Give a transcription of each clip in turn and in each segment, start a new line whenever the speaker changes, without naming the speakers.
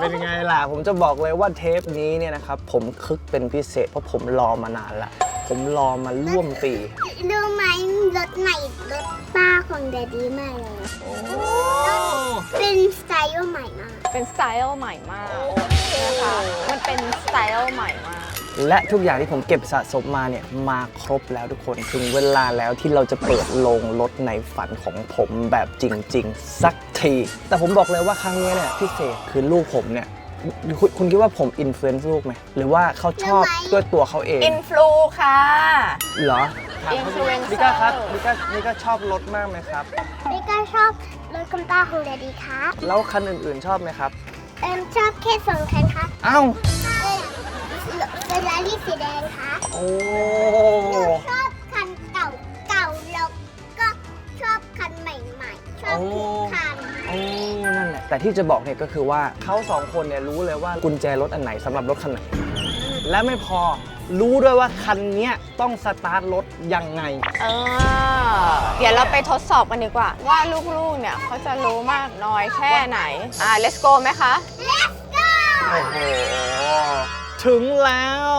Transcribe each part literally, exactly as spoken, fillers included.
เป็นไงล่ะผมจะบอกเลยว่าเทปนี้เนี่ยนะครับผมคึกเป็นพิเศษเพราะผมรอมานานละผมรอมาร่วมปี
รู้ไหมรถใหม่รถป้าของแดดดี้ใหม่เลยเป็นสไตล์ใหม่มาก
เป็นสไตล์ใหม่มากนะคะมันเป็นสไตล์ใหม่มาก
และทุกอย่างที่ผมเก็บสะสมมาเนี่ยมาครบแล้วทุกคนถึงเวลาแล้วที่เราจะเปิดโรงรถในฝันของผมแบบจริงๆสักทีแต่ผมบอกเลยว่าครั้งนี้เนี่ยพิเศษคือลูกผมเนี่ยคุณคุณคิดว่าผมอินฟลูเอนซ์ลูกไหมหรือว่าเขาชอบด้วยตัวเขาเอง
อินฟลูค่ะ
เหรอ
อินฟลูเอนเซอร์
มิก้าครับมิก้ามิก้าชอบรถมากไหมครับ
มิก้าชอบรถคุณป้าของแดดดี้ครับ
แล้วคันอื่นๆชอบไหมครับ
เอ็มชอบแค่สองคันครับ
อ้าว
เฟอร์รารี่สีแดงครับ
โอ้
หนูชอบคันเก่าเก่าแล้วก็ชอบคันใหม่ๆชอบทุกคัน
โอ้นั่นแหละแต่ที่จะบอกเนี่ยก็คือว่าเขาสองคนเนี่ยรู้เลยว่ากุญแจรถอันไหนสำหรับรถคันไหนและไม่พอรู้ด้วยว่าคันนี้ต้องสตาร์ทรถยังไง
เออเดี๋ยวเราไปทดสอบกันดีกว่าว่าลูกๆเนี่ยเขาจะรู้มากน้อยแค่ไหนอ่า let's go ไหมคะ
let's go
โอ้โหถึงแล้ว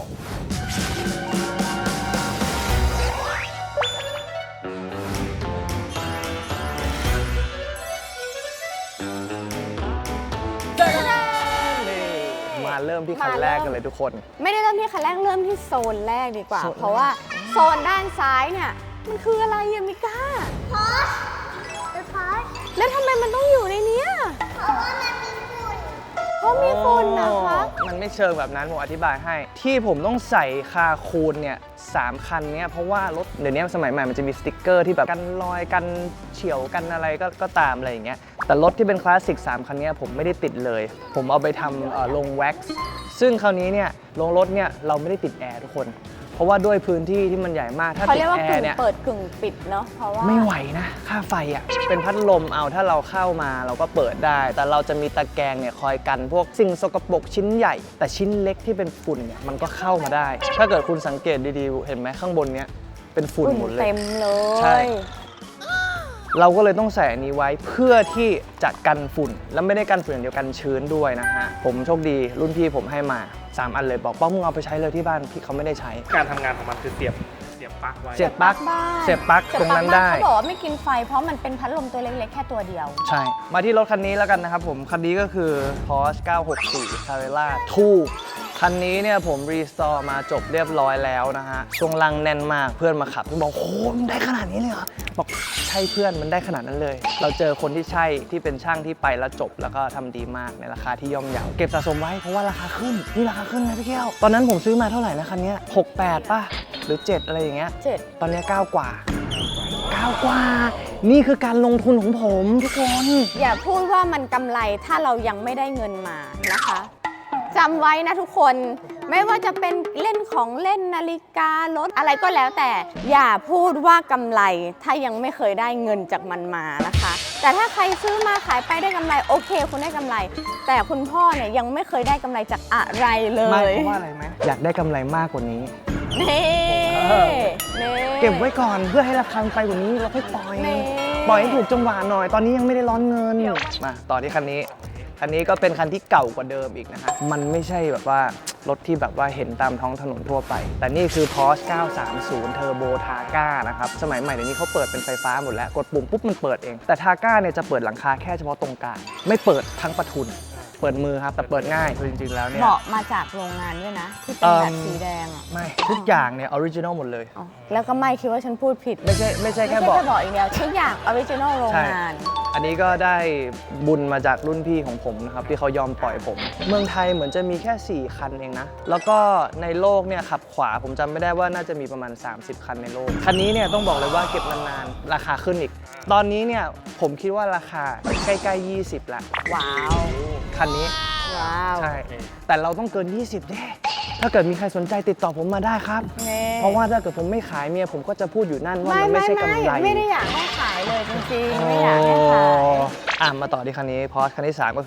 เริ่มที่คันแรกกันเลยทุกคน
ไม่ได้เริ่มที่คันแรกเริ่มที่โซนแรกดีกว่าเพราะว่าโซนด้านซ้ายเนี่ยมันคืออะไรอะมิก้า
พอชพอช
แล้วทำไมมันต้องอยู่ในนี้
เพราะว่ามันมีฝุ่น
เพราะมีฝุ่นนะคะ
มันไม่เชิงแบบนั้นผมอธิบายให้ที่ผมต้องใส่คาคูนเนี่ยสามคันเนี้ยเพราะว่ารถเดี๋ยวนี้สมัยใหม่มันจะมีสติ๊กเกอร์ที่แบบกันรอยกันเฉี่ยวกันอะไรก็ก็ตามอะไรอย่างเงี้ยแต่รถที่เป็นคลาสสิกสามคันนี้ผมไม่ได้ติดเลยผมเอาไปทำลงแว็กซ์ซึ่งคราวนี้เนี่ยลงรถเนี่ยเราไม่ได้ติดแอร์ทุกคนเพราะว่าด้วยพื้นที่ที่มันใหญ่มากถ้าติดแอร์เนี่ย
เปิดกึ่งปิดเนาะเพราะว่า
ไม่ไหวนะค่าไฟอ่ะเป็นพัดลมเอาถ้าเราเข้ามาเราก็เปิดได้แต่เราจะมีตะแกรงเนี่ยคอยกันพวกสิ่งสกปรกชิ้นใหญ่แต่ชิ้นเล็กที่เป็นฝุ่นเนี่ยมันก็เข้ามาได้ถ้าเกิดคุณสังเกตดีๆเห็นไหมข้างบนเนี้ยเป็นฝุ่นหมดเลย
เต็มเลย
ใช่เราก็เลยต้องใส่อันนี้ไว้เพื่อที่จะกันฝุ่นแล้วไม่ได้กันฝุ่นอย่างเดียวกันชื้นด้วยนะฮะผมโชคดีรุ่นพี่ผมให้มาสามอันเลยบอกป้อมมึงเอาไปใช้เลยที่บ้านพี่เขาไม่ได้ใช้
การทำงานของมันคือเสียบเสียบปลั๊กไว้
เสียบปลั๊กเสียบปลั๊กตรงนั้นได้
เขาบอกว่าไม่กินไฟเพราะมันเป็นพัดลมตัวเล็กๆแค่ตัวเดียว
ใช่มาที่รถคันนี้แล้วกันนะครับผมคันนี้ก็คือ Porsche เก้าหกสี่ Carrera ทู คันนี้เนี่ยผมรีสตอร์มาจบเรียบร้อยแล้วนะฮะช่วงล่างแน่นมากเพื่อนมาขับเพื่อนบอกโอ้มันได้ขนาดนี้เลยเหรอบอกใช่เพื่อนมันได้ขนาดนั้นเลยเราเจอคนที่ใช่ที่เป็นช่างที่ไปแล้วจบแล้วก็ทำดีมากในราคาที่ย่อมเยาเก็บสะสมไว้เพราะว่าราคาขึ้นนี่ราคาขึ้นนะพี่แก้วตอนนั้นผมซื้อมาเท่าไหร่นะคันนี้หก แปดป่ะหรือเจ็ดอะไรอย่างเงี้ย
เจ็ด
ตอนนี้เก้ากว่าเก้ากว่านี่คือการลงทุนของผมทุกคน
อย่าพูดว่ามันกำไรถ้าเรายังไม่ได้เงินมานะคะจำไว้นะทุกคนไม่ว่าจะเป็นเล่นของเล่นนาฬิการถอะไรก็แล้วแต่อย่าพูดว่ากำไรถ้ายังไม่เคยได้เงินจากมันมานะคะแต่ถ้าใครซื้อมาขายไปได้กำไรโอเคคุณได้กำไรแต่คุณพ่อเนี่ยยังไม่เคยได้กำไรจากอะไรเลย
ไม่เพราะว่าอะไรไหมอยากได้กำไรมากกว่านี้
นี่
เก็บไว้ก่อนเพื่อให้ราคาไปกว่านี้เราค่อยปล่อยปล่อยให้ถูกจังหวะหน่อยตอนนี้ยังไม่ได้ร้อนเงินมาต่อที่คันนี้คันนี้ก็เป็นคันที่เก่ากว่าเดิมอีกนะฮะมันไม่ใช่แบบว่ารถที่แบบว่าเห็นตามท้องถนนทั่วไปแต่นี่คือ Porsche เก้าสามศูนย์ Turbo Targa นะครับสมัยใหม่เดี๋ยวนี้เขาเปิดเป็นไฟฟ้าหมดแล้วกดปุ่มปุ๊บมันเปิดเองแต่ Targa เนี่ยจะเปิดหลังคาแค่เฉพาะตรงกลางไม่เปิดทั้งประทุนเปิดมือครับแต่เปิดง่ายจริงๆแล้วเนี่ย
เบาะมาจากโรงงานด้วยนะที่เป็นแบบสีแดงอ่ะ
ไม่ทุกอย่างเนี่ยออริจินอลหมดเลย
แล้วก็ไม่คิดว่าฉันพูดผิด
ไม่ใช่ไม่ใช่แค่เบาะ
เบาะอีกแล้วทุกอย่างออริจินอลโรงงาน
อันนี้ก็ได้บุญมาจากรุ่นพี่ของผมนะครับที่เขายอมปล่อยผมเมืองไทยเหมือนจะมีแค่สี่คันเองนะแล้วก็ในโลกเนี่ยขับขวาผมจำไม่ได้ว่าน่าจะมีประมาณสามสิบคันในโลกคันนี้เนี่ยต้องบอกเลยว่าเก็บนานๆราคาขึ้นอีกตอนนี้เนี่ยผมคิดว่าราคาใกล้ๆยี่สิบละ
ว้าว
คันนี้
ว้าว
ใช่แต่เราต้องเกินยี่สิบแน่ถ้าเกิดมีใครสนใจติดต่อผมมาได้ครับเพราะว่าถ้าเกิดผมไม่ขายเมียผมก็จะพูดอยู่นั่นว่ามันไม่ใช่กำไร
ไม่ได้อยากให้ขายเลยจริงๆไม่อยากให้ขาย
อ่ะมาต่อที่คันนี้พอสคันที่สามก็คือ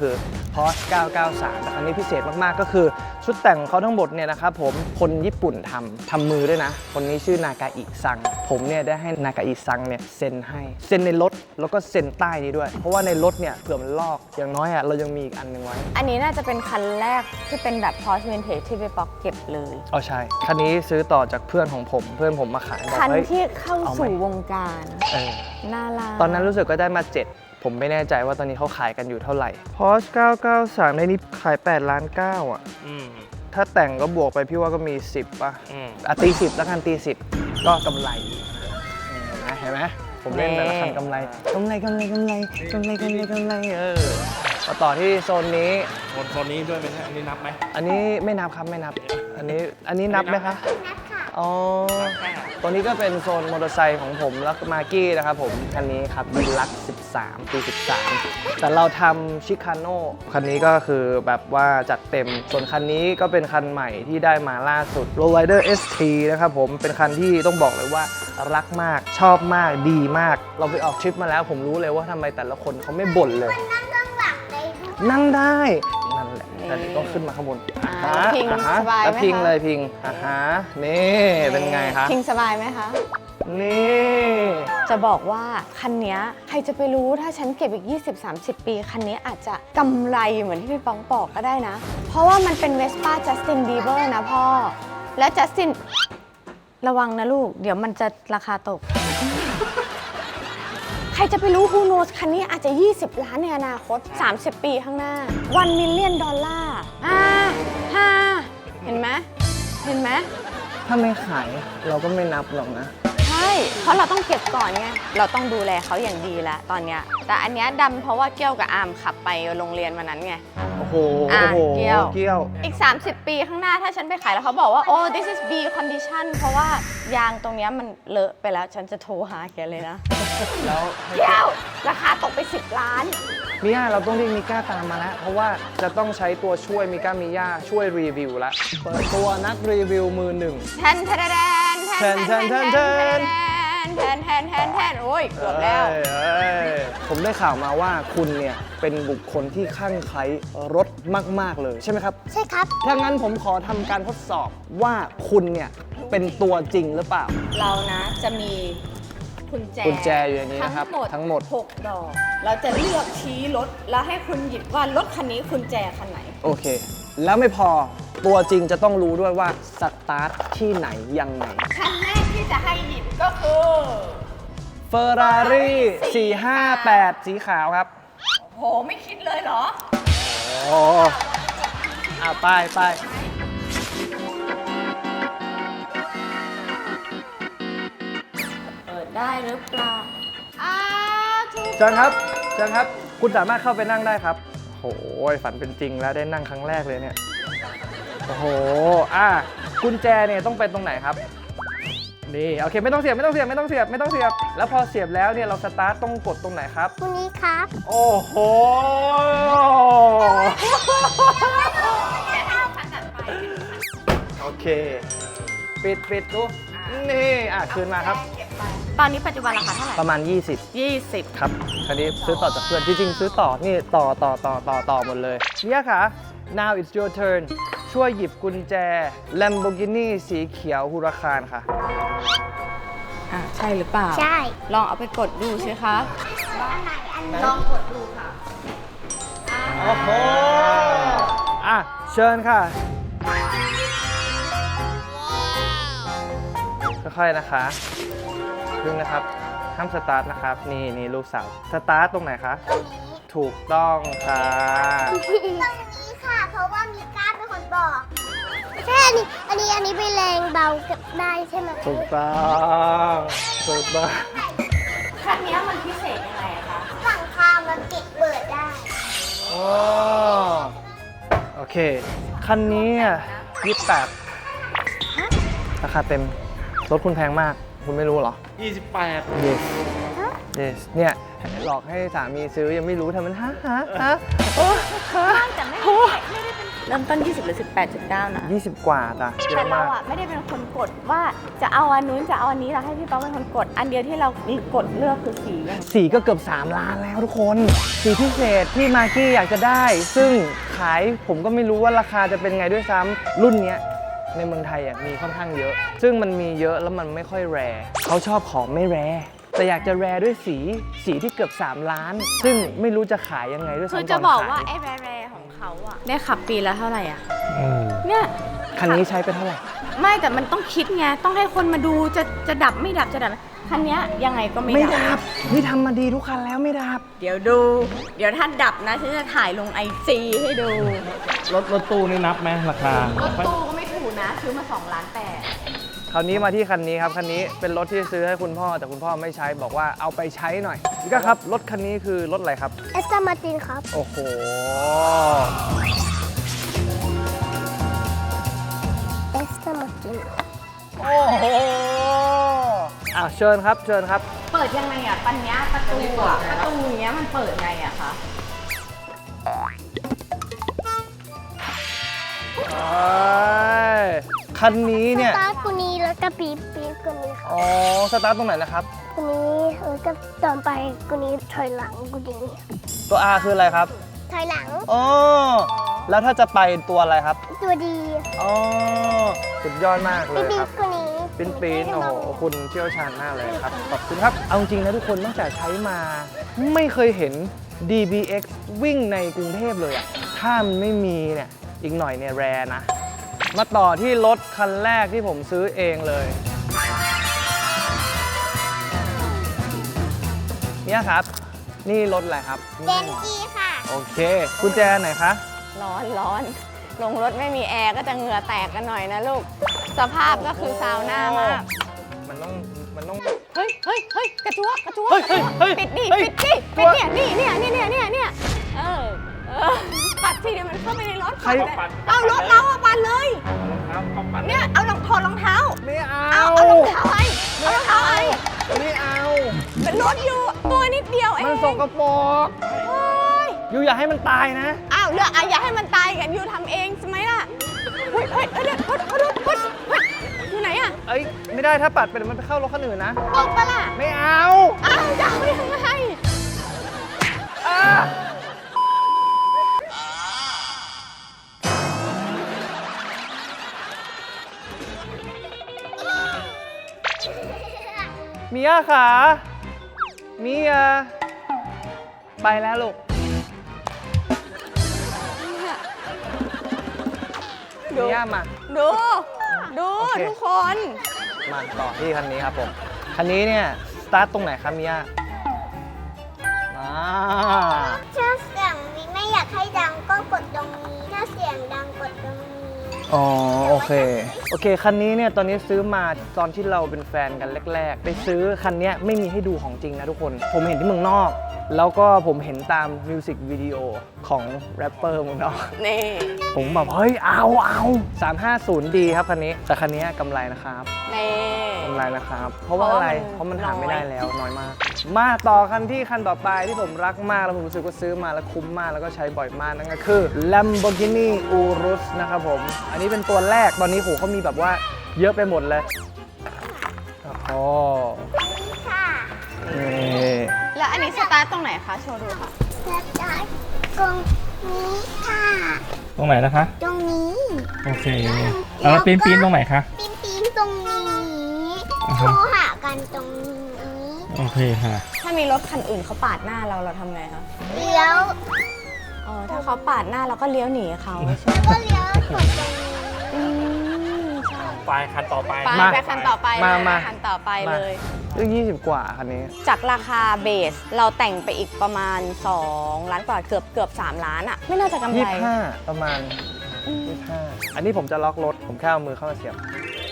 Porsche เก้าเก้าสาม แต่คันนี้พิเศษมากๆก็คือชุดแต่งของเขาทั้งหมดเนี่ยนะครับผมคนญี่ปุ่นทำทำมือด้วยนะคนนี้ชื่อนากาอิซังผมเนี่ยได้ให้นากาอิซังเนี่ยเซ็นให้เซ็นในรถแล้วก็เซ็นใต้นี้ด้วยเพราะว่าในรถเนี่ยเผื่อมันลอกอย่างน้อยอ่ะเรายังมีอีกอันหนึงไว้
อันนี้น่าจะเป็นคันแรกที่เป็นแบบ Porsche Vintage ที่พี่ป๊อกเก็บเลย
อ๋อใช่คันนี้ซื้อต่อจากเพื่อนของผมเพื่อนผมมาขายบอก
คัน
เฮ้ย
ที่เข้า
เอาไหม
สู่วงการ
เออ
น่ารัก
ตอนนั้นรู้สึกก็ได้มาเจ็ดผมไม่แน่ใจว่าตอนนี้เขาขายกันอยู่เท่าไหร่ Porsche เก้าเก้าสาม ในนี้ขายแปดล้านเก้าอ่ะ
อืม
ถ้าแต่งก็บวกไปพี่ว่าก็มีสิบป่ะ
อืม
อ่ะตีสิบแล้วกันตีสิบก็กำไรเห็นไหมเห็นไหมผมเล่นแต่ละคันกำไรกำไรกำไรกำไรกำไรกำไรกำไรเออมาต่อที่โซนนี้
โซนโซนนี้ด้วยไหมฮะอันนี้นับไหม
อันนี้ไม่นับครับไม่นับ อันนี้อันนี้นับไหมคะ
นับค่ะ
อ๋อตัวนี้ก็เป็นโซนมอเตอร์ไซค์ของผมแล้วก็มากี้นะครับผมคันนี้ครับดีลักซ์สิบสามปีสิบสามแต่เราทำชิคาโน่คันนี้ก็คือแบบว่าจัดเต็มส่วนคันนี้ก็เป็นคันใหม่ที่ได้มาล่าสุด Lowrider เอส ที นะครับผมเป็นคันที่ต้องบอกเลยว่ารักมากชอบมากดีมาก เราไปออกทริปมาแล้วผมรู้เลยว่าทำไมแต่ละคนเขาไม่บ่นเลย
นั่งข้างหลังได้ด้วย
นั่งได้นั่นแหละแต่เดี๋ยวต้องขึ้นมาข้างบน
อ่า
อ่า
พิง
อ่าฮะ
สบายไหม
แล้วพิง
คะ
เลยพิงอ่าฮะนี่เป็นไงคะ
พิงสบายไหมคะ
นี่
จะบอกว่าคันเนี้ยใครจะไปรู้ถ้าฉันเก็บอีก ยี่สิบสามสิบ ปี คันนี้อาจจะกำไรเหมือนที่พี่ป้องบอกก็ได้นะ เพราะว่ามันเป็น Vespa Justin Bieber นะพ่อ แล้ว Justin ระวังนะลูก เดี๋ยวมันจะราคาตก ใครจะไปรู้ Who knows คันนี้อาจจะ ยี่สิบ ล้านในอนาคต สามสิบ ปีข้างหน้า one million ดอลลาร์อ่าฮ่าเห็นไหมเห็นไหม
ถ้าไม่ขายเราก็ไม่นับหรอกนะ
ใช่ เพราะเราต้องเก็บก่อนไง เราต้องดูแลเขาอย่างดีแล้วตอนเนี้ย แต่อันเนี้ยดำเพราะว่าเกี้ยวกับอามขับไปโรงเรียนวันนั้นไง
โอ้โห
อ่ะ
โอ้โห
เกี้ยว
เกี้ยว
อีก สามสิบ ปีข้างหน้าถ้าฉันไปขายแล้วเขาบอกว่า โอ้ this is B condition เพราะว่ายางตรงเนี้ยมันเลอะไปแล้ว ฉันจะโทรหาแกเลยนะ
แล้ว
เกี้ยว ราคาตกไป สิบ ล้าน
มิย่าเราต้องเรียกมิก้าตามมาแล้ว เพราะว่าจะต้องใช้ตัวช่วยมิก้ามิย่าช่วยรีวิวแล้วเปิดตัวนักรีวิวมือหนึ่ง
แทนแทนแทนแทนแทนแทนแทนแทนแทนแทนแทนโอ้ยเกือบแล้ว
เอ้ยเอ้ยผมได้ข่าวมาว่าคุณเนี่ยเป็นบุคคลที่คลั่งไคล้รถมากๆเลยใช่ไหมครับ
ใช่ครับ
ถ้างั้นผมขอทำการทดสอบว่าคุณเนี่ยเป็นตัวจริงหรือเปล่า
เรานะจะมีกุญแจ
กุญแจอยู่ในนี้นะครับ
ทั้งหมด
ทั้งหมด
หกดอก เราจะเลือกชี้รถ แล้วให้คุณหยิบว่ารถคันนี้กุญแจคันไหน
โอเค แล้วไม่พอตัวจริงจะต้องรู้ด้วยว่าสตาร์ทที่ไหนยังไง
คันแรกที่จะให้หยิบก็คือ
Ferrari สี่ห้าแปด สีขาวครับ
โหไม่คิดเลยเหรอ
โอ้อ่ะไปไป
เปิดได้หรือเปล่าอ้าถูก
เชิญครับเชิญครับ คุณสามารถเข้าไปนั่งได้ครับโอ้โหฝันเป็นจริงแล้วได้นั่งครั้งแรกเลยเนี่ย โอ้โห อ่ะกุญแจเนี่ยต้องเป็นตรงไหนครับ นี่โอเคไม่ต้องเสียบไม่ต้องเสียบไม่ต้องเสียบไม่ต้องเสียบ แล้วพอเสียบแล้วเนี่ยเราสตาร์ทต้องกดตรงไหนครับ
คุณนี้ครับ
โอ้โห โอเค ปิดปิดดูนี่อ่ะคืนมาครับ
ตอนนี้ปัจจุบันราคาเท่าไหร่
ประมาณ ยี่สิบ
ยี่สิบ
ครับคันนี้ซื้อต่อจากเพื่อนจริงๆซื้อต่อนี่ต่อต่อต่อต่อต่อหมดเลยเนี่ยค่ะ now it's your turn ช่วยหยิบกุญแจ Lamborghini สีเขียวฮูราคานค่ะ
อ่ะใช่หรือเปล่า
ใช่
ลองเอาไปกดดูสิคะ
อันไหนอันไหน
ลองกดดูค่ะ
โอ้โห อ่ะ เชิญค่ะค่อยๆนะคะพึ่งนะครับห้ามสตาร์ทนะครับ นี่นี่ลูกสาว สตาร์ทตรงไหนคะ
ตรงนี้
ถูกต้องค่ะ
ตรงนี้ค่ะ เพราะว่ามีก้าเป็นคนบอกไม่ใช่อันนี้ อันนี้ อันนี้เป็นแรงเบาเก็บได้ใช่ไหม
ถูกต้องถูกต้อง
คันนี้มันพิเศษยังไงอะคะ
หลังคามันปิดเปิดได้
โอ้โอเค คันนี้ยี่สิบแปดราคาเต็ม รถคุณแพงมาก คุณไม่รู้เหรอ
ยี่สิบแปด
yes yes เนี่ยหลอกให้สามีซื้อยังไม่รู้ทำมันฮะฮะฮะโอ้ฮะ
แต่ไม่ได้ไม่ได้เป็นแฟเริ่มต้น ยี่สิบ หรือ สิบแปดจุดเก้า นะ
ยี่สิบกว่าจ้ะเย
แต่
อะ
เรา
มาก
อ่ะไม่ได้เป็นคนกดว่าจะเอาอันนู้นจะเอาอันนี้เราให้พี่ป๊อกเป็นคนกด อันเดียวที่เรากดเลือกคือสีอย่าง
สีก็เกือบ สาม ล้านแล้วทุกคน สีพิเศษที่มากกี้อยากจะได้ ซึ่งขายผมก็ไม่รู้ว่าราคาจะเป็นไงด้วยซ้ำรุ่นเนี้ยในเมืองไทยอ่ะมีค่อนข้างเยอะ ซึ่งมันมีเยอะแล้วมันไม่ค่อยแรร์เขาชอบของไม่แรร์แต่อยากจะแรร์ด้วยสีสีที่เกือบ สาม ล้าน ซึ่งไม่รู้จะขายยังไงด้วยซ้ำ
คือ
ต
จะ
อน
บอก
ขาย
ว่าไอ้แร่ๆของเขาอ่ะได้ขับปีละเท่าไหร่อ่ะ
อืม
เนี่ย
คันนี้ใช้ไปเท่าไหร่
ไม่แต่มันต้องคิดไงต้องให้คนมาดูจะจะดับไม่ดับจะดับคันเนี้ยยังไงก็ไม่
ไม่
ดั
ดับนี่ทำมาดีทุกคันแล้วไม่ดับ
เดี๋ยวดู เดี๋ยวถ้าดับนะฉันจะถ่ายลงไอจีให้ดู
รถรถตู้นี่นับไหมราคาร
ถตู้ก็ไม่ถูกนะซื้อมาสองล้านแปด
คราวนี้มาที่คันนี้ครับคันนี้เป็นรถที่ซื้อให้คุณพ่อแต่คุณพ่อไม่ใช้บอกว่าเอาไปใช้หน่อยนี่ก็ครับรถคันนี้คือรถอะไรครับ
เอสตามาตินครับ
โอ้โห
เอสตามาติน
โอ้โหอ่ะเชิญครับเชิญครับ
เปิดยังไงอ่ะปัญญาประตูอ่ะประตูอย่างเงี้ยมันเปิดไงอ่ะคะ
เอ้ยคันนี้เนี่ย
สตาร์ทกูนี้แล้วก็ปี๊บปี๊บกูนี้ครับ
อ๋อสตาร์ทตรงไหนนะครับ
กูนี้แล้วก็ตอนไปกูนี้ถอยหลังกูนี้
ตัว R คืออะไรครับ
ถอยหลัง
อ๋อแล้วถ้าจะไปตัวอะไรครับ
ตัวดี
อ๋อสุดยอดมากเล
ปี๊บ
ย
ปี๊
ครับ บ
กูนี้
ปิ้นปีนโอ้โหคุณเชี่ยวชาญมากเลยครับ ขอบคุณครับ เอาจริงนะทุกคนตั้งแต่ใช้มา ไม่เคยเห็น ดี บี เอ็กซ์ วิ่งในกรุงเทพเลยอะถ้ามันไม่มีเนี่ย อีกหน่อยเนี่ยแรนะ มาต่อที่รถคันแรกที่ผมซื้อเองเลย เนี่ยครับ นี่รถอะไรครับ
เดนจีค่ะ
โอเค กุญแจไหนคะ
ร้อนร้อนลงรถไม่มีแอร์ก็จะเหงื่อแตกกันหน่อยนะลูก สภาพก็คือซาวน่ามาก
มันต้อง มันต้อง
เฮ้ยเฮ้ยเฮ้ยกระจัวกระจัว
เฮ้ยเฮ้ยเฮ้ย
ปิดดิ
เฮ้ย
ปิดดิ
กลั
ปิ
ว
ดเนี่ยนี่เนี่ยเนี่ยเนี่ยเนี่ยเนี่ยเออเออปัดสิเดี๋ยวมันเข้าไปในรถ
ใคร
ปัดเลยเอารถเราอะปัดเลย
รองเท้าเข้าปัด
เนี่ยเอารองถอดรองเท้า
ไม่เอา
เอาเอารองเท้าไอ้เอารองเท้าไอ้
ไม่เอา
เป็นรถอยู่ตัวนิดเดียวเอง
มันสกปรก
โอ๊ย
อยู่อย่าให้มันตายนะ
อ้าวเลือกอ่ะอย่าให้มันตายกันอยู่ทำเองใช่ไหมล่ะเฮ้ยเฮ้ยเฮ้ยเฮ้ยเฮ้ยเฮ้ยเฮ้ยเฮ้ยอยู่ไหนอะ
เอ้ย ไม่ได้ถ้าปัดไปเดี๋ยวมันไปเข้ารถคันอื่นนะ
ออกปะล่ะ
ไม่เอา
อ้าวจะเอายังไง
อ่ะเมียขาเมียไปแล้วลูก
ดู
เมียมา
ดู ดู
โอเค
ทุกคน
มาต่อที่คันนี้ครับผม คันนี้เนี่ย สตาร์ทตรงไหนครับเมียอ่า
ถ้าเสียงไม่อยากให้ดังก็กดตรงนี้ ถ้าเสียงดังกดตรงนี้
อ๋อโอเค โอเค คันนี้เนี่ยตอนนี้ซื้อมาตอนที่เราเป็นแฟนกันแรก ๆ ไปซื้อคันเนี้ยไม่มีให้ดูของจริงนะทุกคน ผมเห็นที่เมืองนอก แล้วก็ผมเห็นตามมิวสิกวิดีโอของแรปเปอร์เมืองนอก
นี่
ผมแบบเฮ้ย เอาเอาสามห้าศูนย์ดีครับคันนี้ แต่คันนี้กำไรนะครับ
นี่
กำไรนะครับ เพราะว่าอะไร เพ
เพ
ราะ
ราะมั
มัน
น
หาไม่
น้อย
ได้แล้วน้อยมาก มาต่อคันที่คันต่อไปที่ผมรักมากแล้วผมรู้สึกว่าซื้อมาแล้วคุ้มมากแล้วก็ใช้บ่อยมากนั่นก็คือ Lamborghini Urus นะครับผม อันนี้เป็นตัวแรกตอนนี้โหเขามีแบบว่าเยอะไปหมดเลยอ๋อ
นี่ค่ะ
นี่
แล้วอันนี้สตาร์ทตรงไหนคะโชว์ดูค่ะ
แล้วจะตรงนี้ค่ะ
ตรงไหนนะคะ
ตรงนี้
โอเคแล้วปีนปีนตรงไหนคะ
ปีนปีนตรงนี้
อ่า
โท
ฮะ
รหากันตรงนี้
โอเคค่ะ
ถ้ามีรถคันอื่นเขาปาดหน้าเราเราทำไงคะ
เลี้ยว
อ๋อถ้าเขาปาดหน้าเราก็เลี้ยวหนีเขา
แล้วก็เลี้ยวกดตรงนี้
อืมใช่
ไปคันต่อไป
ไปไปคันต่อไป
มา
เลย
มา
คันต่อไปเลย
เรื่องยี่สิบกว่าคันนี้
จากราคาเบสเราแต่งไปอีกประมาณ สอง ล้านกว่าเกือบเกือบสามล้านอะไม่น่าจะกำไร
ยี่สิบห้าประมาณ
อืม
ยี่สิบห้าอันนี้ผมจะล็อกรถ ผมแค่เอามือเข้ามาเสียบ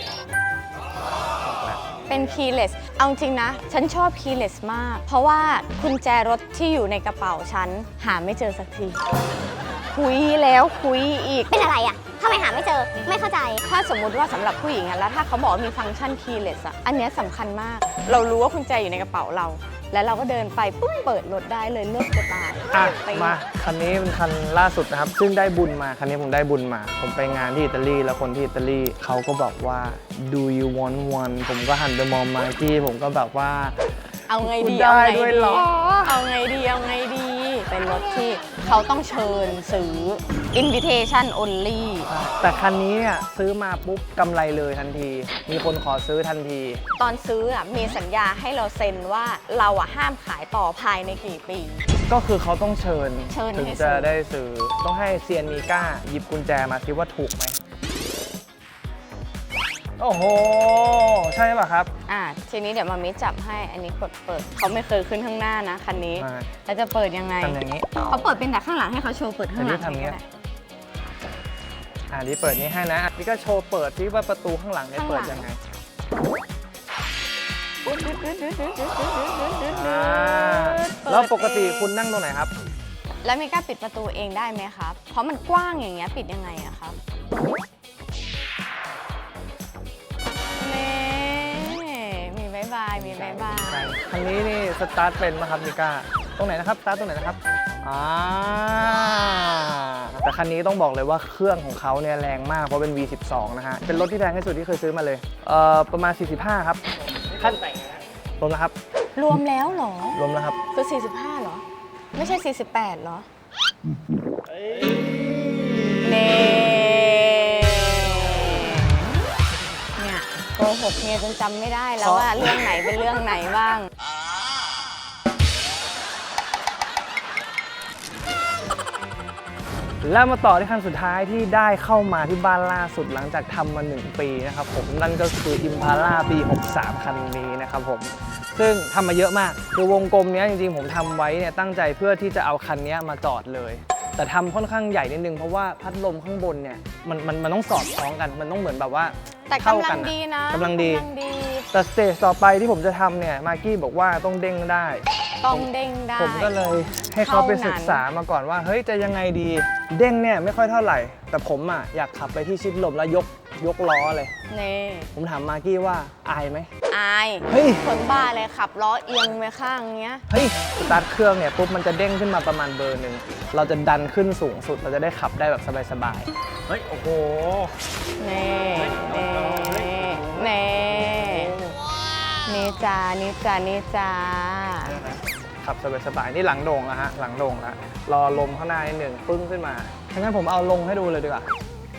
เป็น keyless เอาจริงนะ ฉันชอบ keyless มาก เพราะว่ากุญแจรถที่อยู่ในกระเป๋าฉัน หาไม่เจอสักที คุยแล้วคุยอีก
เป็นอะไรอ่ะทำไมหาไม่เจอ ไม่เข้าใจ
ถ้าสมมุติว่าสำหรับผู้หญิงอะแล้วถ้าเขาบอกว่ามีฟังก์ชัน keyless อะอันเนี้ยสำคัญมาก เรารู้ว่ากุญแจอยู่ในกระเป๋าเราแล้วเราก็เดินไปปุ๊บเปิดรถได้เลยเลิกจะตาย
อ่ะ
ไป
มาคันนี้เป็นคันล่าสุดนะครับ ซึ่งได้บุญมาคันนี้ผมได้บุญมา ผมไปงานที่อิตาลีแล้วคนที่อิตาลีเขาก็บอกว่า do you want one ผมก็หันไปมองมาที่ผมก็แบบว่า
เอาไงดี
ได้
เอาไง
ด้วย
ดี
เหรอ
เอาไงดีเอาไงดี เป็นรถที่เขาต้องเชิญซื้อ invitation only
แต่คันนี้เนี่ยซื้อมาปุ๊บกำไรเลยทันที มีคนขอซื้อทันที
ตอนซื้ออ่ะมีสัญญาให้เราเซ็นว่าเราอ่ะห้ามขายต่อภายในกี่ปี
ก็คือเขาต้องเชิญ
เชิญ
ถึง
ให้ซื้
จะ
อ
ได้ซื้อ ต้องให้เซียนมีก้าหยิบกุญแจมาซิว่าถูกไหม โอ้โห ใช่ป่ะครับ
อ่ะทีนี้เดี๋ยวมามิจับให้อันนี้กดเปิดเขาไม่เคยขึ้นข้างหน้านะคันนี้
ใช่
แล้วจะเปิดยังไง
ทำอย่างนี้
เขาเปิดเป็นแต่ข้างหลังให้เขาโชว์เปิดข้างหลัง
แต่นี่ทำอย่างเงี้ย
ก็ได้
อ่านี่เปิดนี้ให้นะนี่ก็โชว์เปิดที่ว่าประตูข้างหลังเนี่ยเปิดยังไงอ่าแล้วปกติคุณนั่งตรงไหนครับ
แล้วมีกล้าปิดประตูเองได้ไหมครับ เพราะมันกว้างอย่างเงี้ยปิดยังไงอะครับนี่มีบายบายมีบายบาย
คันนี้นี่สตาร์ทเป็นไหมครับมิก้าตรงไหนนะครับสตาร์ทตรงไหนนะครับอ่าแต่คันนี้ต้องบอกเลยว่าเครื่องของเขาเนี่ยแรงมากเพราะเป็น วี สิบสอง นะฮะเป็นรถที่แรงที่สุดที่เคยซื้อมาเลยเอ่อประมาณ สี่สิบห้า ครับขั้นรวมนะครับ
รวมแล้วเหรอ
รวมแล้วครับ
คือ สี่สิบห้า เหรอ ไม่ใช่ สี่สิบแปด เหรอเน่เนี่ยโกหกเมียจนจำไม่ได้แล้วว่าเรื่องไหนเป็นเรื่องไหนบ้าง
แล้วมาต่อที่คันสุดท้ายที่ได้เข้ามาที่บ้านล่าสุดหลังจากทำมาหนึ่งปีนะครับผมนั่นก็คือ Impala ปี หกสาม คันนี้นะครับผมซึ่งทำมาเยอะมากคือวงกลมนี้จริงๆผมทำไว้เนี่ยตั้งใจเพื่อที่จะเอาคันนี้มาจอดเลยแต่ทำค่อนข้างใหญ่นิดนึงเพราะว่าพัดลมข้างบนเนี่ยมันมันมันต้องสอดคล้องกันมันต้องเหมือนแบบว่า
แต่
เข้าก
ำลั
กั
ง
น
ดีนะ
กำลังดี
กำลังดี
แต่สเตจต่อไปที่ผมจะทำเนี่ยมากกี้บอกว่าต้องเด้งได้
ต้องเด้งได้
ผมก็เลยให้เขาไป
เท่านั้น
ศึกษามาก่อนว่าเฮ้ยจะยังไงดี เด้งเนี่ยไม่ค่อยเท่าไหร่ แต่ผมอ่ะอยากขับไปที่ชิดลมแล้วยกยกล้อเลย
นี่
ผมถามมากกี้ว่าอายไหม
อาย
เฮ้ย
คนบ้าเลยขับล้อเอียงไปข้างเงี้ย
เฮ้ยสตาร์ทเครื่องเนี่ยปุ๊บมันจะเด้งขึ้นมาประมาณเบอร์หนึ่งเราจะดันขึ้นสูงสุดเราจะได้ขับได้แบบสบายๆเฮ้ยโอ้โห
นี่นี่นี่นี่จ้านี่จ้านี่จ้า
ขับสบายๆนี่หลังโด่งแล้วฮะหลังโด่งแล้วรอลมข้างหน้านิดหนึ่งปึ้งขึ้นมางั้นผมเอาลงให้ดูเลยดีกว่า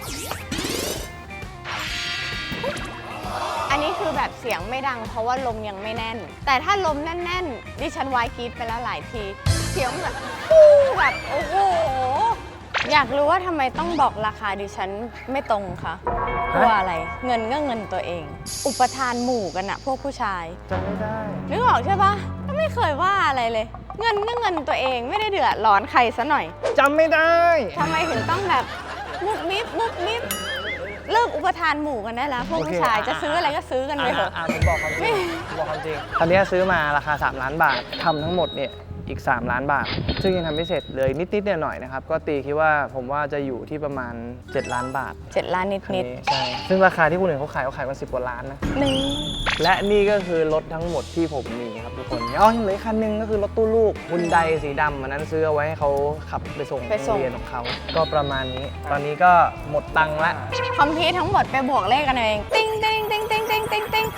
อันนี้คือแบบเสียงไม่ดังเพราะว่าลมยังไม่แน่น แต่ถ้าลมแน่นๆดิฉันวายกรีดไปแล้วหลายที เสียงแบบฟูแบบโอ้โห อยากรู้ว่าทำไมต้องบอกราคาดิฉันไม่ตรงคะเพราะว่าอะไร เงินก็เงินตัวเอง อุปทานหมู่กันอะพวกผู้ชาย
จำไม่ได้
นึกออกใช่ปะก็ไม่เคยว่าอะไรเลย เงินก็เงินตัวเองไม่ได้เดือดร้อนใครซะหน่อย
จำไม่ได้
ทำไมถึงต้องแบบมุบมิบมุบมิบเลิกอุปทานหมู่กันได้แล้วพวกผู้ชายจะซื้ออะไรก็ซื้อกันไปเถอะ
อ่าผมบอกความจริงผมบอกความจริงคันนี้ซื้อมาราคา สาม ล้านบาททำทั้งหมดเนี่ยอีก สาม ล้านบาท ซึ่งยังทำไม่เสร็จเลยนิดๆหน่อยๆนะครับก็ตีคิดว่าผมว่าจะอยู่ที่ประมาณ เจ็ด ล้านบาท
เจ็ดล้านนิด
คัน
นิด
นี้ใช่ซึ่งราคาที่คนอื่นเขาขายเขาขายกันสิบกว่าล้านนะ
หนึ่ง
และนี่ก็คือรถทั้งหมดที่ผมมีครับทุกคนอ๋อยังเหลืออกคันหนึงก็คือรถตู้ลูกฮุนไดสีดำอันนั้นซื้อเอาไว้ให้เขาขับไปส่งโรงเรียนของเขาก็ประมาณนี้ ตอนนี้ก็หมดตังค์ละ
คอมพิวทั้งหมดไปบวกเลขกันเองติ้งติ้งติ้งติ้งติ้งติ้งติ้ง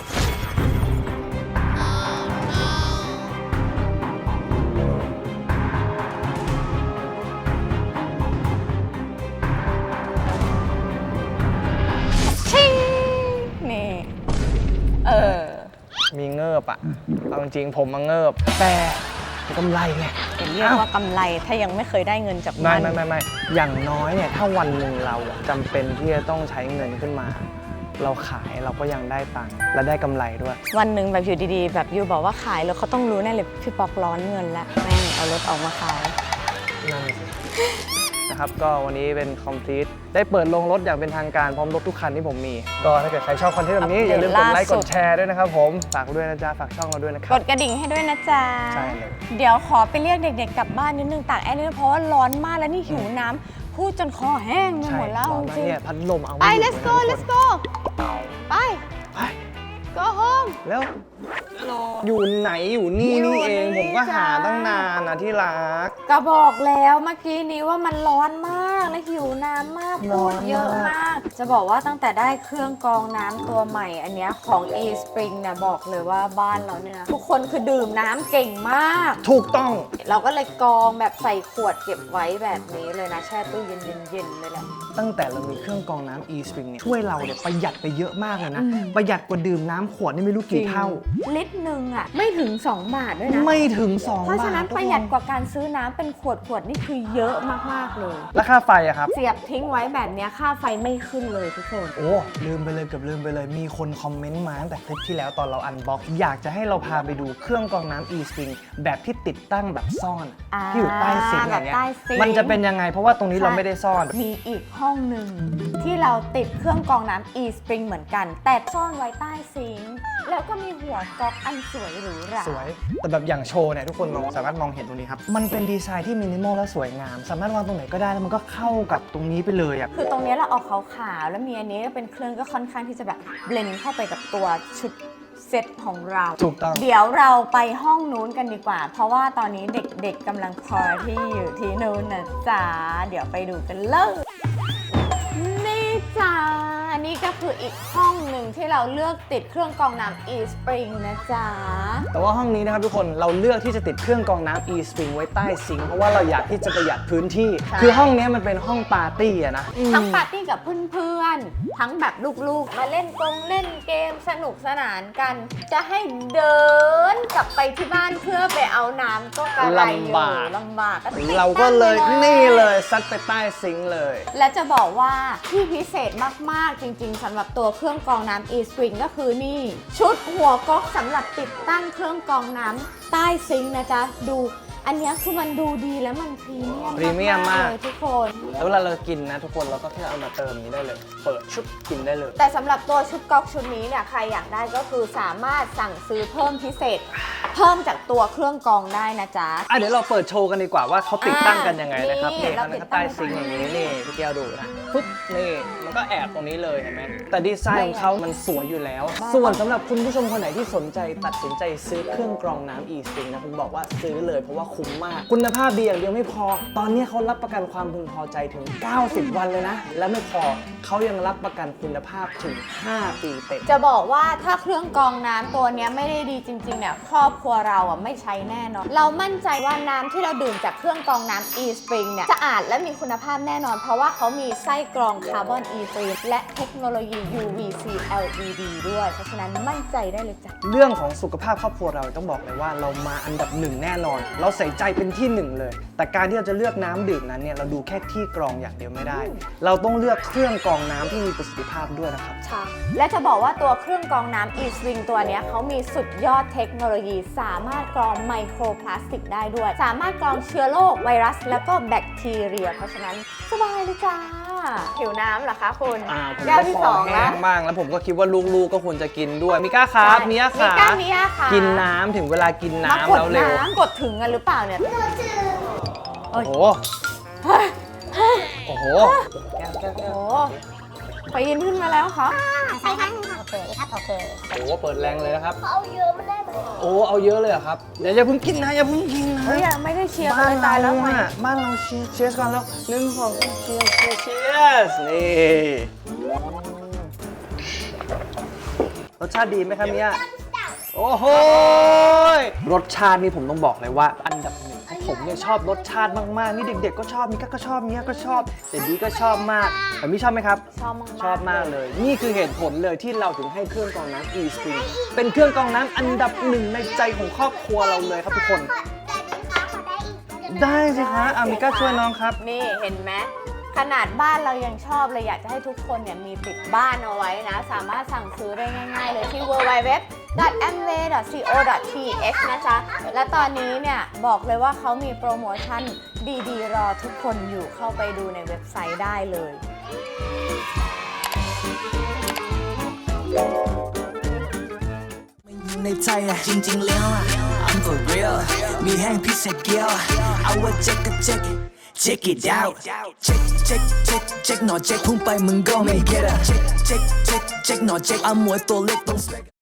ชิงนี่เออ
มีเงิบอ่ะเอาจริงๆผมมาเงิบแต่กำไรไง
เป็นเรียกว่ากำไรถ้ายังไม่เคยได้เงินจาก
ไม่
มัน
ไม่ไม่ไม่อย่างน้อยเนี่ยถ้าวันหนึ่งเราอะจำเป็นที่จะต้องใช้เงินขึ้นมา เราขายเราก็ยังได้ตังค์และได้กำไรด้วย
วันหนึ่งแบบอยู่ดีๆ แบบยูบอกว่าขายแล้วเขาต้องรู้แน่เลยพี่ป๊อกร้อนเงินแล้วแม่งเอารถออกมาขาย
นั่นสินะครับก็วันนี้เป็น complete ได้เปิดโรงรถอย่างเป็นทางการพร้อมรถทุกคันที่ผมมี ก็ถ้าเกิดใครชอบคอนเทนต์แบบนี้
อัปเดต
อย่าลืมกดไลค์
ล่าสุ
ก
ด
ดแชร์ด้วยนะครับผมฝากด้วยนะจ๊ะฝากช่องเราด้วยนะค
ก
รับ
ดกระดิ่งให้ด้วยนะจ๊ะ
ใช่เลย
เดี๋ยวขอไปเรียกเด็กๆกลับบ้านนิดนึงตากแอร์นิดนึงเพราะว่าร้อนมากแล้วนี่หิวน้ำพูดจนคอแห้งไป
ใช่
หมดแล้ว
ร้อน
จ
มาก
ริง
เนี่ยพัดลมเอา
ๆ
ไม่
ไป
อยู่
let's go
เลยนะ
let's go ไป
ไป
go home
แล้วอยู่ไหนอยู่นี่นี่เองผมก็หาตั้งนานนะที่รัก
ก็บอกแล้วเมื่อกี้นี้ว่ามันร้อนมากและหิวน้ำมาก
ร้
พู
อ
ด
น
เยอะ
มาก
มาก จะบอกว่าตั้งแต่ได้เครื่องกรองน้ำตัวใหม่อันเนี้ยของ eSpring เนี่ยบอกเลยว่าบ้านเราเนี่ยนะทุกคนคือดื่มน้ำเก่งมาก
ถูกต้อง
เราก็เลยกรองแบบใส่ขวดเก็บไว้แบบนี้เลยนะแช่ตู้เย็นๆๆเลยแหละ
ตั้งแต่เรามีเครื่องกรองน้ำ eSpring เนี่ยช่วยเราเนี่ยประหยัดไปเยอะมากเลยนะ
อืม
ประหยัดกว่าดื่มน้ำขวดนี่ไม่รู้กี่เท่า
ลิตรหนึ่งอ่ะไม่ถึงสองบาทด้วยนะ
ไม่ถึง 2 บาท
เพราะฉะนั้น
ทุก
ประ
ค
หยัดกว่าการซื้อน้ำเป็นขวดขวดๆนี่คือเยอะมากๆเลย
แล้วค่าไฟอะครับ
เสียบทิ้งไว้แบบเนี้ยค่าไฟไม่ขึ้นเลยทุกคน
โอ้ลืมไปเลยเกือบลืมไปเลย มีคนคอมเมนต์มาตั้งแต่คลิปที่แล้วตอนเราอันบ็อกอยากจะให้เราพาไปดูเครื่องกรองน้ำ eSpring แบบที่ติดตั้งแบบซ่อน
อ่า
ที่อยู่ใต้ซิงค์อย่างเงี้ย
แบบใต้ซิงค์
มันจะเป็นยังไงเพราะว่าตรงนี้เราไม่ได้ซ่อน
มีอีกห้องหนึ่งที่เราติดเครื่องกรองน้ำ eSpring เหมือนกัน แต่ซ่อนไว้ใต้ซิงค์แล้วก็มีหัวก๊อกอันสวยหรูหรา
สวย แต่แบบอย่างโชว์เนี่ยทุกคนมองสามารถมองเห็นตรงนี้ครับ มันเป็นดีไซน์ที่มินิมอลและสวยงาม สามารถวางตรงไหนก็ได้แล้วมันก็เข้ากับตรงนี้ไปเลยอะ
คือตรงเนี้ยเราออกขาวๆแล้วมีอันนี้เป็นเครื่องก็ค่อนข้างที่จะแบบเบลนด์เข้าไปกับตัวชุดเซตของเรา
ถูกต้อง
เดี๋ยวเราไปห้องนู้นกันดีกว่า เพราะว่าตอนนี้เด็กๆกำลังพาร์ตี้อยู่ที่นู้นนะจ๊ะ เดี๋ยวไปดูกันเลย นี่จ้า นี่ก็คืออีกห้องหนึ่งที่เราเลือกติดเครื่องกรองน้ำ eSpring นะจ๊ะ
แต่ว่าห้องนี้นะครับทุกคนเราเลือกที่จะติดเครื่องกรองน้ำ eSpring ไว้ใต้ซิงค์เพราะว่าเราอยากที่จะประหยัดพื้นที่
ใช่
คือห้องนี้มันเป็นห้องปาร์ตี้อะนะ
ทั้งปาร์ตี้กับเพื่อนๆ ทั้งแบบลูกๆ มาเล่นกงเล่นเกมสนุกสนานกัน จะให้เดินกลับไปที่บ้านเพื่อไปเอาน้ำก็กระไรอยู่
ลำบาก
ลำบากก็ติด
เราก็เลย
ตั้งไป
นี่เลยซัดไปใต้ซิงค์เลย
และจะบอกว่าที่พิเศษมากๆจริงๆสำหรับตัวเครื่องกรองน้ำ eSpring ก็คือนี่ ชุดหัวก๊อกสำหรับติดตั้งเครื่องกรองน้ำใต้ซิงค์นะจ๊ะ ดูอันเนี้ยคือมันดูดีแล้วมันพรีเมียม
พรีเมียมมาก
เลยทุกคน
แล้วเวลาเรากินนะทุกคนเราก็แค่เอามาเติมนี้ได้เลย เปิดชุบกินได้เลย
แต่สำหรับตัวชุดก๊อกชุดนี้เนี่ยใครอยากได้ก็คือสามารถสั่งซื้อเพิ่มพิเศษ เพิ่มจากตัวเครื่องกรองได้นะจ๊ะ
อ่ะเดี๋ยวเราเปิดโชว์กันดีกว่าว่าเขาติดตั้งกันยังไงนะครับ
นี่
นี่
เรา
เขา
ติด
นะครับ
ตั้
ใต้
ง
ซิงค์อย่างนี้นี่พี่แก้วดูนะปุ๊บนี่มันก็แอบตรงนี้เลยเห็นไหมแต่ดีไซน์ของเขามันสวยอยู่แล้ว ส่วนสำหรับคุณผู้ชมคนไหนที่สนใจตัดสินใจซื้อเครื่องกรองน้ำ eSpring นะผมบอกว่าซื้อเลยเพราะว่าคุ้มมากคุณภาพดีอย่างเดียวไม่พอ ตอนนี้เขารับประกันความพึงพอใจถึงเก้าสิบวันเลยนะและไม่พอเขายังรับประกันคุณภาพถึงห้าปีเต็ม
จะบอกว่าถ้าเครื่องกรองน้ำตัวเนี้ยไม่ได้ดีจริงๆเนี่ยครอบครัวเราอ่ะไม่ใช้แน่นอนเรามั่นใจว่าน้ำที่เราดื่มจากเครื่องกรองน้ำ eSpring เนี่ยสะอาดและมีคุณภาพแน่นอน เพราะว่าเขามีไส้กรองคาร์บอน e-free และเทคโนโลยี ยู วี ซี แอล อี ดี ด้วย เพราะฉะนั้นมั่นใจได้เลยจ้ะ
เรื่องของสุขภาพครอบครัวเราต้องบอกเลยว่าเรามาอันดับหนึ่งแน่นอน เราใส่ใจเป็นที่หนึ่งเลย แต่การที่เราจะเลือกน้ำดื่มนั้นเนี่ยเราดูแค่ที่กรองอย่างเดียวไม่ได้ เราต้องเลือกเครื่องกรองน้ำที่มีประสิทธิภาพด้วยนะครับ
ใช่และจะบอกว่าตัวเครื่องกรองน้ำ eSpring ตัวเนี้ยเขามีสุดยอดเทคโนโลยี สามารถกรองไมโครพลาสติกได้ด้วย สามารถกรองเชื้อโรคไวรัส แล้วก็แบคทีเรีย เพราะฉะนั้นสบายเลยจ้าหิวน้ำเหรอคะคุณ
อ่าผม
แก้ว
ก็
ที่
ค
ส
อ
อง
แห้
แล้ว
งบ้างแล้วผมก็คิดว่าลูกๆก็ควรจะกินด้วยมิก้าครับมิยา
มิ
ค่ะ
ก้ามิยาค่ะ
กินน้ำถึงเวลากิน
มา
น้ำ
กด
แล้วเร็ว
น้ำกดถึงกันหรือเปล่าเนี่ย
โอ้โหโอ้โห
โอ้ปีนขึ้นมาแล้วค่ะ
ใส่ข้างหนึ่งค่ะโอเคครับโอเค
โอ้โหเปิดแรงเลยนะครับ
เอาเยอะมันได้ไหม
โอ้เอาเยอะเลยเหรอครับเดี๋ยวอย่าเพิ่งกินนะอย่าเพิ่งกินนะ
เฮ้ยยังไม่ได้เชียร์
บ้า
เล
น
ยตาย
เรา
แล้วไง
อะบ้านเราเชียร์เชียร์ก่อนแล้วหนึ่งสองสามเชียร์เชียร์เชียร์นี่รสชาติดีไหมครับมิยาโอ้โหรสชาตินี่ผมต้องบอกเลยว่าอันดับหนึ่งผมเนี่ยชอบรสชาติมากๆนี่เด็กๆก็ชอบมิก้าก็ชอบมิยาก็ชอบแต่ดีก็ชอบมากแต่มิชอบไหมครับ
ชอบมากๆ
ชอบมากเลย นี่คือเหตุผลเลยที่เราถึงให้เครื่องกรองน้ำ eSpring เป็นเครื่องกรองน้ำอันดับหนึ่งในใจของครอบครัวเราเลยครับทุกคน ได้สิคะอามิก้าช่วยน้องครับ
นี่เห็นไหมขนาดบ้านเรายังชอบเลยอยากจะให้ทุกคนเนี่ยมีติดบ้านเอาไว้นะ สามารถสั่งซื้อได้ง่ายๆเลยที่ ดับเบิลยู ดับเบิลยู ดับเบิลยู ดอท แอมเวย์ ดอท ซี โอ ดอท ที เอ็กซ์ นะจ๊ะ และตอนนี้เนี่ยบอกเลยว่าเขามีโปรโมชั่นดีๆ รอทุกคนอยู่เข้าไปดูในเว็บไซต์ได้เลย
ในใจอะจริงๆแล้วอะ I'm for real มีแห้งพิเศษเกียวเอาว่าเจ๊กก็เจ๊ก check it out check check check check หน่อย check พุ่งไปมึงก็ไม่ get อะ check check check check หน่อย check เอาหมวยตัวเล็กต้อง